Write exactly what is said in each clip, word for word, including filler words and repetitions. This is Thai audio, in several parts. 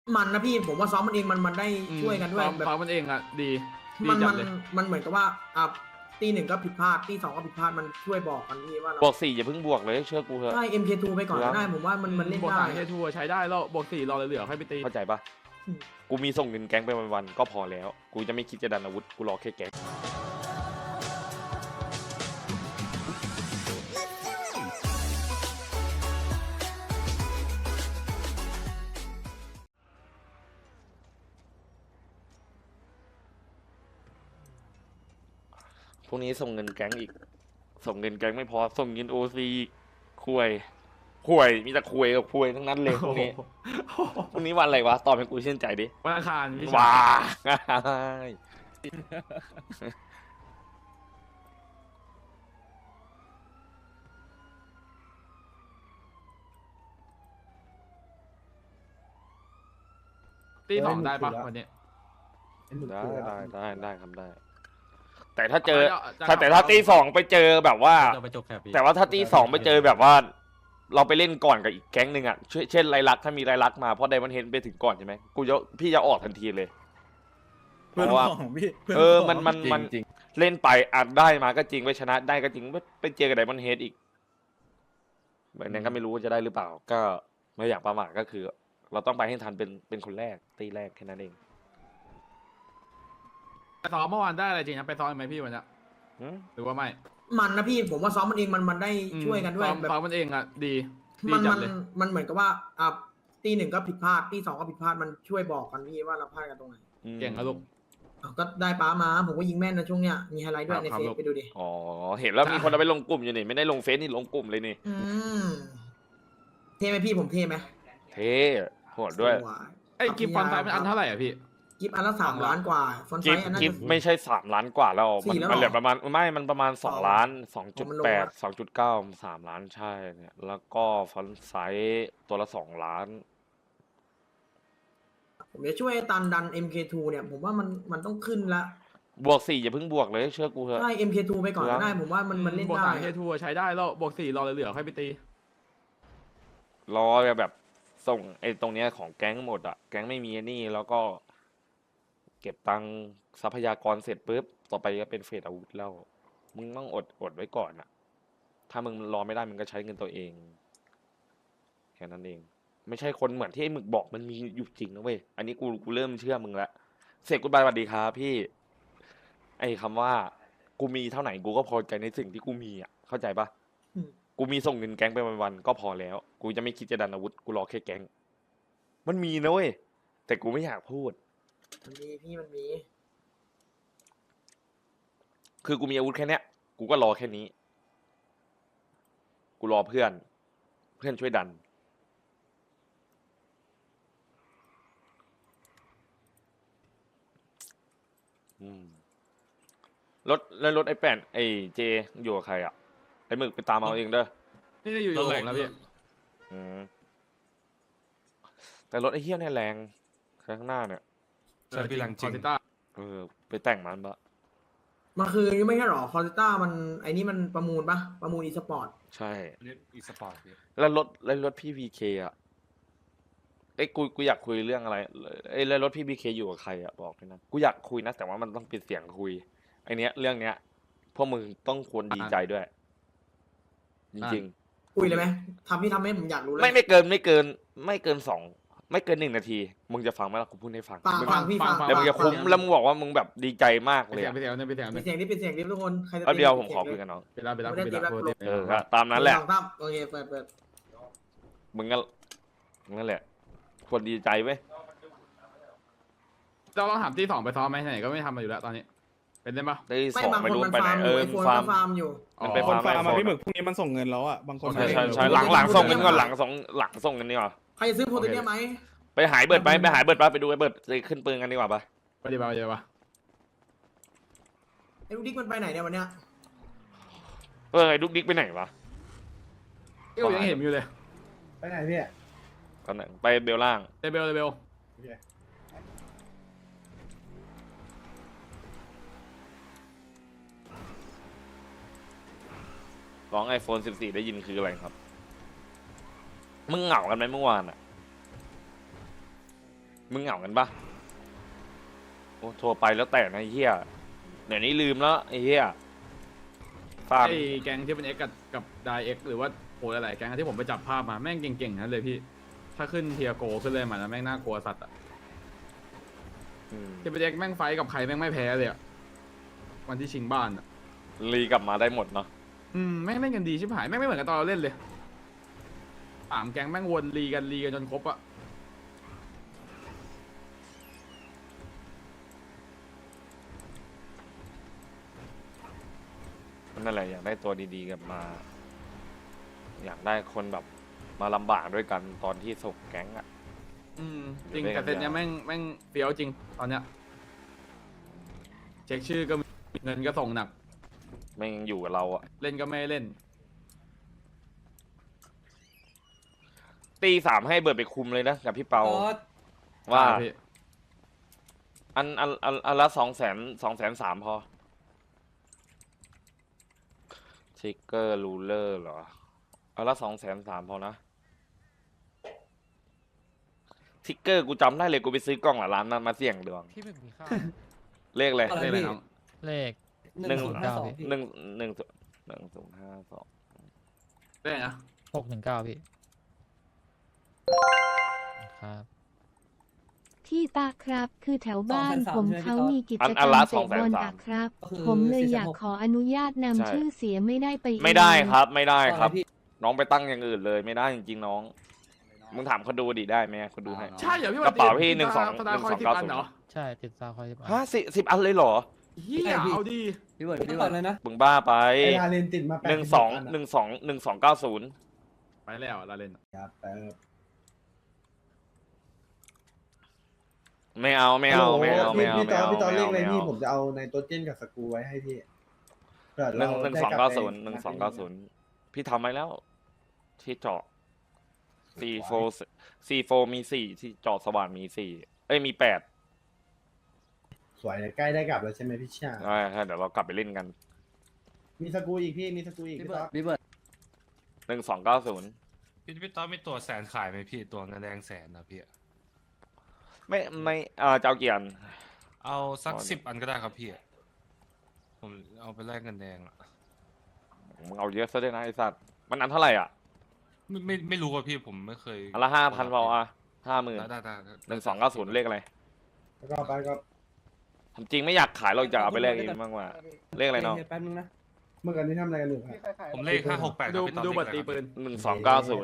มันนะพี่ผมว่าซ้อมมันเองมันมันได้ช่วยกันด้วยแบบซ้อมมันเองอ่ะดีมันมันมันเหมือนกับว่าอ่ะตีหนึ่งก็ผิดพลาดตีสองก็ผิดพลาดมันช่วยบอกกันพี่ว่าเราบวกสี่อย่าเพิ่งบวกเลยเชื่อกูเถอะใช่ เอ็ม เค ทู ไปก่อนก็ได้ผมว่ามันมันเล่นบวกได้สามเฮทัวใช้ได้แล้วบวกสี่รอเหลือๆค่อยไปตีเข้าใจปะกูมีส่งเงินแก๊งไปวันๆก็พอแล้วกูจะไม่คิดจะดันอาวุธกูรอแค่แก๊งพวกนี้ส่งเงินแก๊งอีกส่งเงินแก๊งไม่พอส่งเงินโอซีคุยคุยมีแต่คุยกับคุยทั้งนั้นเลยพวกนี้พวกนี้วันอะไรวะตอบให้กูชื่นใจดิวันอังคารพี่ว้าตีสองได้ปะวันนี้ได้ได้ได้ได้ครับได้แต่ถ้าเจอถ้าแต่ถ้าตีสองไปเจอแบบว่าแต่ว่าถ้าตีสองไปเจอแบบว่าเราไปเล่นก่อนกับอีกแก๊งหนึ่งอ่ะเช่นไรลักถ้ามีไรลักมาเพราะไดมอนเฮดไปถึงก่อนใช่ไหมกูจะพี่จะออกทันทีเลยเพราะว่าเออมันมันมันเล่นไปอาจได้มาก็จริงไปชนะได้ก็จริงไปเจอกับไดมอนเฮดอีกแบบนั้นก็ไม่รู้ว่าจะได้หรือเปล่าก็ไม่อยากประมาทก็คือเราต้องไปให้ทันเป็นเป็นคนแรกตีแรกแค่นั้นเองไปซ้อมเมื่อวานได้อะไรจริงนะไปซ้อมไหมพี่วันนี้หรือว่าไม่มันนะพี่ผมว่าซ้อมมันเองมันมันได้ช่วยกันด้วยแบบซ้อมมันเองอ่ะดีมันมันมันเหมือนกับว่าอ่ะตีหนึ่งก็ผิดพลาดตีสองก็ผิดพลาดมันช่วยบอกกันพี่ว่าเราพลาดกันตรงไหนเก่งครับลูกก็ได้ป้ามาผมก็ยิงแม่นนะช่วงเนี้ยมีไฮไลท์ด้วยในเฟซไปดูดิอ๋อเห็นแล้วมีคนเอาไปลงกลุ่มอยู่นี่ไม่ได้ลงเฟซนี่ลงกลุ่มเลยนี่เท่ไหมพี่ผมเท่ไหมเท่โหดด้วยไอ้กิฟต์ฟอนไซส์มันอันเท่าไหร่อ่ะพี่กิฟต์อันละสามล้านกว่าฟอนไซส์อันนั้นกิฟต์ไม่ใช่สามล้านกว่าแล้วมันเหลือประมาณไม่มันประมาณสองล้านสองจุดแปดสองจุดเก้าสามล้านใช่เนี่ยแล้วก็ฟอนไซส์ตัวละสองล้านผมจะช่วยตันดัน เอ็ม เค ทู เนี่ยผมว่ามันมันต้องขึ้นละบวกสี่อย่าเพิ่งบวกเลยเชื่อกูเถอะใช่ เอ็ม เค ทู ไปก่อนก็ได้ผมว่ามันมันเล่นได้บวกสามเฮทัวใช้ได้แล้วบวกสี่รอเหลือๆค่อยไปตีรอแบบส่งไอ้ตรงเนี้ยของแก๊งหมดอ่ะแก๊งไม่มีนี่แล้วก็เก็บตังทรัพยากรเสร็จปุ๊บต่อไปก็เป็นเฟสอาวุธแล้วมึงต้องอดอดไว้ก่อนอ่ะถ้ามึงรอไม่ได้มึงก็ใช้เงินตัวเองแค่นั้นเองไม่ใช่คนเหมือนที่ไอ้หมึกบอกมันมีอยู่จริงนะเว้ยอันนี้กูกูเริ่มเชื่อมึงละเสร็จกูบายสวัสดีครับพี่ไอ้คำว่ากูมีเท่าไหร่กูก็พอใจในสิ่งที่กูมีอ่ะเข้าใจปะกูมีส่งเงินแก๊งไปวันๆก็พอแล้วกูจะไม่คิดจะดันอาวุธกูรอแค่แก๊งมันมีนะเว้ยแต่กูไม่อยากพูดมันมีพี่มันมีคือกูมีอาวุธแค่เนี้ยกูก็รอแค่นี้กูรอเพื่อนเพื่อนช่วยดันรถแล้วรถไอ้แป้นไอ้เจอยู่กับใครอ่ะไอ้หมึกไปตามเอาเองเด้อนี่จะอยู่อยู่ผมแล้วพี่แต่รถไอ้เหี้ยเนี่ยแรงข้างหน้าเนี่ยใช่พี่แรงจริงเออไปแต่งมันปะมันคือไม่ใช่หรอคอร์ติต้ามันไอ้นี่มันประมูลปะประมูลอีสปอร์ตใช่อีสปอร์ตแล้วรถแล้วรถพี่พีเคอ่ะไอ้กูกูอยากคุยเรื่องอะไรไอ้แล้วรถพี่พีเคอยู่กับใครอ่ะบอกเลยนะกูอยากคุยนะแต่ว่ามันต้องปิดเสียงคุยไอ้เนี้ยเรื่องเนี้ยพวกมึงต้องควรดีใจด้วยจริงๆคุยเลยไหมทำที่ทำให้ผมอยากรู้เลยไม่ไม่เกินไม่เกินไม่เกินสองไม่เกินหนึ่งนาทีมึงจะฟังไหมล่ะกูพูดให้ฟังฟังพี่ฟังแล้วมึงจะคุ้มแล้วมึงบอกว่ามึงแบบดีใจมากเลยไปเสียงไปเสียงไปเสียงนี่เป็นเสียงดิทุกคนใครจะเดี๋ยวผมขอคุยกันน้องไปรับไปรับไปรับเออตามนั้นแหละโอเคเปิดเปิดมึงก็นั่นแหละควรดีใจไหมเราต้องถามที่สองไปซ้อมไหมไหนก็ไม่ทำมาอยู่แล้วตอนนี้เป็นได้ปะที่สองไม่รู้ไปไหนเออฟาร์มฟาร์มอยู่มันเป็นฟาร์มมาพี่หมึกพรุ่งนี้มันส่งเงินแล้วอ่ะบางคนใช่ใช่ใช่หลังหลังส่งเงินก่อนหลังส่งหลังส่งเงินนี่หรอใครจะซื้อโพเทเนียไหมไปหายเบิร์ดไปไปหายเบิร์ดไปไปดูไอ้เบิร์ดจะขึ้นปืนกันดีกว่าปะไปดีป่ะไปดีป่ะไอ้ลูกดิ๊กมันไปไหนเนี่ยวันเนี้ยเออไอ้ลูกดิ๊กไปไหนวะก็ยังเห็นอยู่เลยไปไหนพี่ตอนไหนไปเบลล่างเบลเบลร้องไอโฟนสิบสี่ได้ยินคืออะไรครับมึงเหงากันไหมเมื่อวานอ่ะมึงเหงากันปะโอ้โทรไปแล้วแต่นะไอ้เฮียเดี๋ยวนี้ลืมแล้วไอ้เฮียฟาร์มไอ้แก๊งที่เป็นเอ็กกับกับไดเอ็กหรือว่าโอ้หลายๆแก๊งที่ผมไปจับภาพมาแม่งเก่งๆนั้นเลยพี่ถ้าขึ้นเทียโกขึ้นเลยมาแล้วแม่งน่ากลัวสัตว์อะอืมที่เป็นเอ็กแม่งไฟท์กับใครแม่งไม่แพ้เลยอะวันที่ชิงบ้านอะรีกลับมาได้หมดเนาะอืมแม่งเล่นกันดีชิบหายแม่งไม่เหมือนกับตอนเราเล่นเลยสามแก๊งแม่งวนรีกันรีกันจนครบอะนั่นแหละอยากได้ตัวดีๆกลับมา อยากได้คนแบบมาลำบากด้วยกันตอนที่ส่งแก๊งอะอืมจริงเล่นกัแต่นเซตเนี้ยยาวแม่งแม่งเฟี้ยวจริงตอนเนี้ยเช็คชื่อก็มีเงินก็ส่งหนักไม่ยังอยู่กับเราอะเล่นก็ไม่เล่นตีสามให้เบิร์ดไปคุมเลยนะกับพี่เปาอ๋อว่าอ่พี่อันอันอันอันละสองแสนสองแสนสามพอทิกเกอร์รูเลอร์เหรออันละสองแสนสามพอนะทิกเกอร์กูจำได้เลยกูไปซื้อกล่องหละร้านนั้นมาเสี่ยงดวงพี่หมึกมีข้าวเลขเลยอะไรเล่นอะไรพี่น้องเลขหหนึ่นึ่งงศูนย์ห้าสองพี่หนึ่งหนึ่งหนึ่งศูนย์ห้าสองเล่นนะหกหนึ่งเก้าพี่ ครับที่ตาครับคือแถวบ้านสองผมแสนสามเขาใช่ไหมพี่มีกิจอันกอัรนรละมเตะบอลสองแสนสามอะครับก็คือผมเลยสี่แสนอยากหกขออนุญาตนำใช่ชื่อเสียไม่ได้ไปเองไม่ได้ครับ ไม่ได้ครับตอนไหนพี่น้องไปตั้งอย่างอื่นเลยไม่ได้จริงๆน้อง มึงถามเขาดูดิได้ไหมเขาดูให้ใช่เหรอพี่กระเป๋าพี่วันหนึ่งสองสตาร์คอยหนึ่งสองสิบเก้าอันศูนย์เหรอใช่ติดซาวคอยสิบอันฮะสิสิบอันเลยเหรอเฮียเอาดีพี่เบิร์ดพี่พี่เบิเบิร์ร์ดดเลยนะมึงบ้าไปไอ้ลาเลนติดมาแปดหนึ่งสองหนึ่งสองหนึ่งสองเก้าศูนย์ไปแล้วเราเล่นครับแต่ไม่เอาไม่เอาไม่เอาไม่เอาพี่ไม่ตอนเอาพี่ตอนไม่เลเอาขอะไรไม่พี่เอาผมจะเอาในตัวเจนกับสกรูไว้ให้พี่เผื่อหนึ่เรางหนึ่งได้สองลับเก้าไปศูนย์หนึ่งสองเก้าศูนย์พี่ทำไว้แล้ว ที่เจาะซีโฟซีโฟมีสี่ที่เจาะสว่านมีสี่เอ้ยมีแปดสวยเลยใกล้ได้กลับแล้วใช่ไหมพี่ชาใช่ใช่เดี๋ยวเรากลับไปเล่นกันมีสกรูอีกพี่มีสกรูอีกพี่พี่เบิต๊ร์อดดพี่เบิร์ดหนึ่งสองเก้าศูนย์พี่พี่ต้อมมีตัวแสนขายไหมพี่ตัวเงินแดงแสนนะพี่ไม่ไม่เอ่อเจ้าเกียนเอาสักอ๋อสิบอันก็ได้ครับพี่ ผมเอาไปแลกเงินแดงอะมึงเอาเยอะซะด้วยนะไอสัตว์มันอันเท่าไหร่อ่ะไม่ไม่ไม่รู้ว่าพี่ผมไม่เคยอันละห้าพันพออ่ะห้าหมื่นได้ได้ได้ได้หนึ่งสองเก้าศูนย์เลขอะไรแล้วก็ไปก็ผมจริงไม่อยากขายเราจะเอาไปแลกเองมากกว่าเลขอะไรเนาะแป๊บนึงนะเมื่อกี้นี้ทำอะไรกันอยู่ครับผมเลขห้าหกแปดดูพี่ต้อมดูเลขบัตรอะไรตีครับปืนหนึ่งสองเก้าศูนย์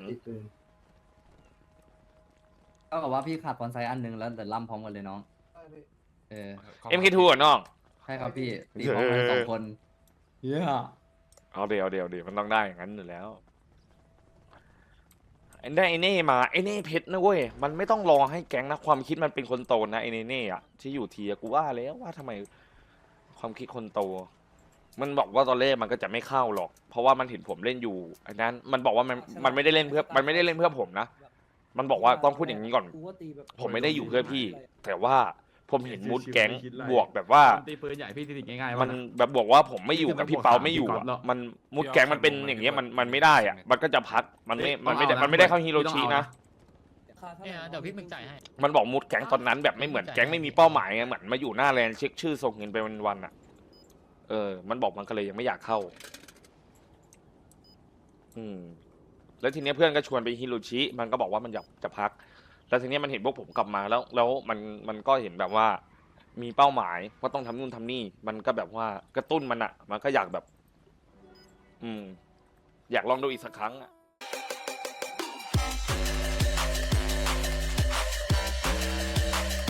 ก็กับว่าพี่ขาดบอลไซด์อันหนึ่งแล้วเดี๋ยวล่ำพร้อมกันเลยน้องเออเอ็มเคทูอ่ะน้องใช่ครับพี่ตีพร้อมกันสองคนเฮียเอาเดี๋ยวเดี๋ยวเดี๋ยวมันต้องได้อย่างนั้นอยู่แล้วไอ้ได้ไอ้เน่มาไอ้เน่เพชรนะเว้ยมันไม่ต้องรอให้แก๊งนะความคิดมันเป็นคนโตนะไอ้เน่เน่อะที่อยู่ทีอะกูว่าแล้วว่าทำไมความคิดคนโต มันบอกว่าตอนแรกมันก็จะไม่เข้าหรอก เพราะว่ามันเห็นผมเล่นอยู่อันนั้นมันบอกว่ามันมันไม่ได้เล่นเพื่อมันไม่ได้เล่นเพื่อผมนะมันบอกว่าต้องพูดอย่างนี้ก่อนกูว่าตีแบบผมไม่ได้อยู่เพื่อพี่ แต่ว่าผมเห็นมูดแก๊งไม่คิดอะไรบวกแบบว่าตีปืนใหญ่พี่ติดง่ายๆมัวะนนะแบบบอกว่าผมไม่อยู่กับพี่เปาไม่อยู่พี่ก๊ออ่ะตเหรอมันมูดแก๊งมันเป็นอย่างเงี้ยมันมันไม่ได้อ่ะ มันก็จะพักมันไม่มันไม่ได้มันไม่ได้เข้าฮิโรชินะเนี่ยเดี๋ยวพี่หมึกจ่ายให้มันบอกมูดแก๊งตอนนั้นแบบไม่เหมือนแก๊งไม่มีเป้าหมายไงเหมือนมาอยู่หน้าแลนด์เช็คชื่อส่งเงินไปวันๆอ่ะ เออ มันบอกมันก็เลยยังไม่อยากเข้า อืม แล้วทีเนี้ยเพื่อนก็ชวนไปฮิโรชิ มันก็บอกว่ามันอยากจะพัก แล้วทีเนี้ยมันเห็นพวกผมกลับมาแล้ว แล้วมันมันก็เห็นแบบว่า มีเป้าหมายว่าต้องทำนู่นทำนี่ มันก็แบบว่ากระตุ้นมันอ่ะ มันก็อยากแบบ อืม อยากลองดูอีกสักครั้งอ่ะ